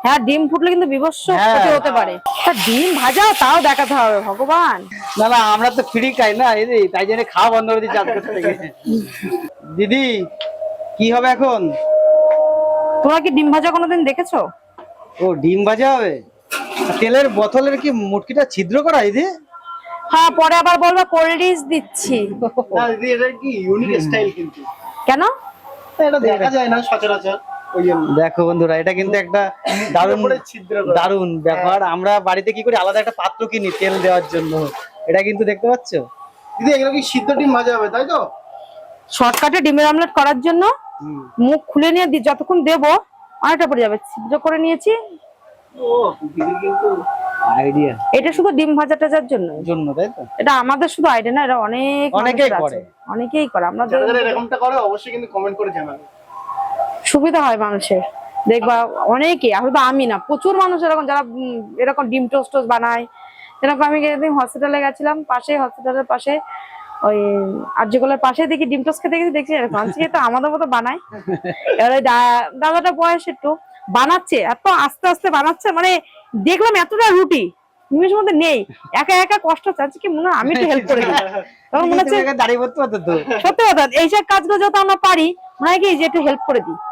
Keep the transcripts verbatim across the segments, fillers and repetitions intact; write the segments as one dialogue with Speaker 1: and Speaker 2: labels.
Speaker 1: হ্যাঁ ডিম ফুটলে কিন্তু বিভৎস ক্ষতি হতে পারে। তা ডিম ভাজা তাও দেখাতে হবে ভগবান।
Speaker 2: না না আমরা তো ফ্রি খাই না দিদি, তাই জন্য খাওয়া বন্ধ করে দিচ্ছি আজকে থেকে। দিদি কি হবে এখন?
Speaker 1: তোমরা কি ডিম ভাজা কোনোদিন দেখেছো?
Speaker 2: ও ডিম ভাজা হবে। তেলের বোতলের কি মুটকিটা ছিদ্র করা দিদি?
Speaker 1: হ্যাঁ পরে আবার বলবা কোল্ড ড্রিঙ্কস দিচ্ছি।
Speaker 3: না দিদি এটা কি ইউনিক স্টাইল কিন্তু।
Speaker 1: কেন?
Speaker 3: এটা দেখা যায় না সচরাচর।
Speaker 2: দেখো বন্ধুরা এটা কিন্তু একটা দারুণ দারুণ ব্যাপার। আমরা বাড়িতে কি করি আলাদা একটা পাত্র কিনি তেল দেওয়ার জন্য, এটা কিন্তু দেখতে পাচ্ছ
Speaker 3: দিদি এগুলো কি সিদ্ধ ডিম ভাজা হবে তাই তো?
Speaker 1: শর্টকাটে ডিমের অমলেট করার জন্য মুখ খুলে নিয়ে দি যতক্ষণ দেবো অনেকটা পড়ে যাবে, ছিদ্র করে নিয়েছি।
Speaker 3: ও দিদি কিন্তু
Speaker 2: আইডিয়া
Speaker 1: এটা শুধু ডিম ভাজা টাজার জন্য
Speaker 2: জন্য তাই তো?
Speaker 1: এটা আমাদের শুধু আইডিয়া না, এটা অনেক
Speaker 2: অনেকেই
Speaker 1: মানুষের
Speaker 2: করে।
Speaker 1: আছে, অনেকেই করে। আমরা
Speaker 3: যারা যারা এরকমটা করে অবশ্যই কিন্তু কমেন্ট করে জানাবে।
Speaker 1: সুবিধা হয় মানুষের, দেখবা অনেকে, আসলে আমি না প্রচুর মানুষ এরকম যারা উম, এরকম ডিম টোস্ট টোস্ট বানায়। যেরকম আমি একদিন হসপিটালে গেছিলাম, পাশে হসপিটালের পাশে ওই আরজিকলের পাশে দেখি ডিম টোস্ট খেতে গেছি, দেখছি এরকম তো আমাদের মতো বানায়। এবার ওই দাদাটা বয়স একটু বানাচ্ছে, এত আস্তে আস্তে বানাচ্ছে, মানে দেখলাম এতটা রুটি নিমেষের মধ্যে নেই, একা একা কষ্ট চাচ্ছি কি মনে হয় আমি একটু হেল্প করে দিই। তখন মনে হচ্ছে
Speaker 2: দাঁড়িয়ে পড়তে পারতো তো।
Speaker 1: সত্যি কথা এইসব কাজগুলো যত আমরা পারি মনে হয় কি যে একটু হেল্প করে দিই।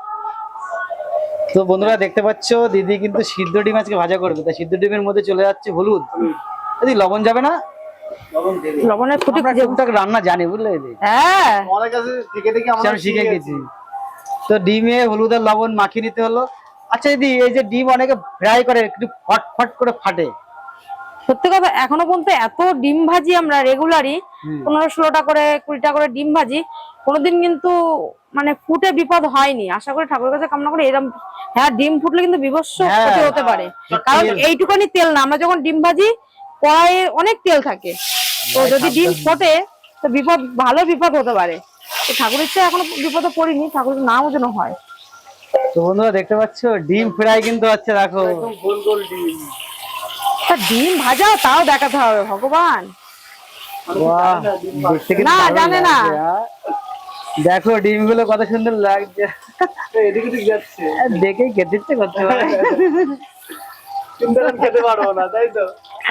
Speaker 2: তো বন্ধুরা দেখতে পাচ্ছ দিদি কিন্তু সিদ্ধ ডিম আজকে ভাজা করবে, তাই সিদ্ধ ডিমের মধ্যে চলে যাচ্ছে হলুদ। দিদি লবণ যাবে না?
Speaker 3: লবণ দেবে।
Speaker 1: লবণের ফুটি
Speaker 2: আমরা টুকটাক রান্না জানি বুঝলে দিদি,
Speaker 1: হ্যাঁ
Speaker 3: আমাদের কাছে থেকে থেকে আমরা
Speaker 2: আমি শিখে গেছি। তো ডিমে হলুদ আর লবণ মাখিয়ে নিতে হলো। আচ্ছা দিদি এই যে ডিম অনেকে ফ্রাই করে একটু ফট ফট করে ফাটে,
Speaker 1: সত্যি কথা এখনো পর্যন্ত এত ডিম ভাজি আমরা রেগুলারই পনেরো ষোলোটা করে কুড়িটা করে ডিম ভাজি, কোনোদিন কিন্তু মানে ফুটে বিপদ হয়নি। আশা করি ঠাকুরের কাছে কামনা করি এরকম। হ্যাঁ ডিম ফুটলে কিন্তু বিভৎস ক্ষতি হতে পারে, কারণ এইটুখানি তেল না, আমরা যখন ডিম ভাজি কড়াইয়ে অনেক তেল থাকে, তো যদি ডিম ফোটে তো বিপদ, ভালো বিপদ হতে পারে। তো ঠাকুরের চেয়ে এখনো বিপদে পড়িনি, ঠাকুরের নামও যেন হয়।
Speaker 2: তো বন্ধুরা দেখতে পাচ্ছ ডিম ফ্রাই কিন্তু হচ্ছে, দেখো
Speaker 3: একদম গোল গোল ডিম।
Speaker 1: তা ডিম ভাজা তাও দেখাতে হবে ভগবান।
Speaker 2: বাহ দেখতে কিন্তু
Speaker 1: না,
Speaker 2: দারুণ
Speaker 1: জানে না।
Speaker 2: লাগছে, হ্যাঁ। দেখো ডিম গুলো কত সুন্দর লাগছে,
Speaker 3: এদিকে দিকে যাচ্ছে
Speaker 2: দেখেই খেতে ইচ্ছে করতে পারে।
Speaker 3: কিন্তু আমি খেতে পারবো না তাই তো?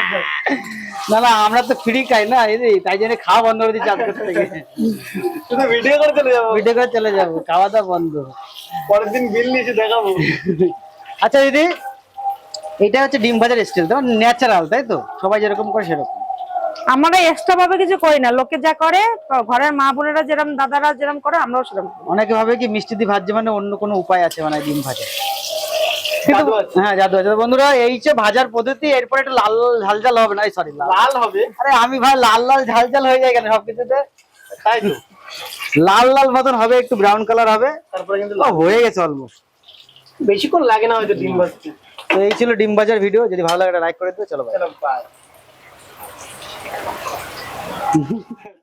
Speaker 2: না না আমরা তো ফ্রি খাই না দিদি, তাই জন্য খাওয়া বন্ধ করে দিচ্ছি আজকে থেকে।
Speaker 3: শুধু ভিডিও করে চলে যাবো,
Speaker 2: ভিডিও করে চলে যাবো, খাওয়া দাওয়া বন্ধ।
Speaker 3: পরের দিন বিল নিয়ে এসে দেখাবো।
Speaker 2: আচ্ছা দিদি এটা হচ্ছে ডিম ভাজার স্টাইল, তো ন্যাচারাল তাই তো? সবাই যেরকম করে সেরকম?
Speaker 1: আমরা এক্সট্রা ভাবে কিছু করি না, লোকে যা করে ঘরের মা বোনেরা যেরকম দাদারা যেরকম করে আমরাও সেরকম করি।
Speaker 2: অনেকে ভাবে কি মিষ্টি দিয়ে ভাজছে মানে অন্য কোনো উপায় আছে মানে ডিম ভাজা, কিন্তু
Speaker 3: জাদু আছে।
Speaker 2: হ্যাঁ জাদু আছে। তো বন্ধুরা এই যে ভাজার পদ্ধতি, এরপর একটু লাল ঝাল ঝাল হবে না, সরি
Speaker 3: লাল হবে।
Speaker 2: আরে আমি ভাই লাল লাল ঝাল ঝাল হয়ে যায় কেন সবকিছুতে?
Speaker 3: তাই তো
Speaker 2: লাল লাল মতন হবে, একটু ব্রাউন কালার হবে।
Speaker 3: তারপরে কিন্তু
Speaker 2: ও হয়ে গেছে অলমোস্ট।
Speaker 3: বেশিক্ষণ লাগে না হয়তো ডিম ভাজতে।
Speaker 2: তো এই ছিল ডিম ভাজার ভিডিও, যদি ভালো লাগে লাইক করে দিও। চলো বাই।
Speaker 3: চলো বাই।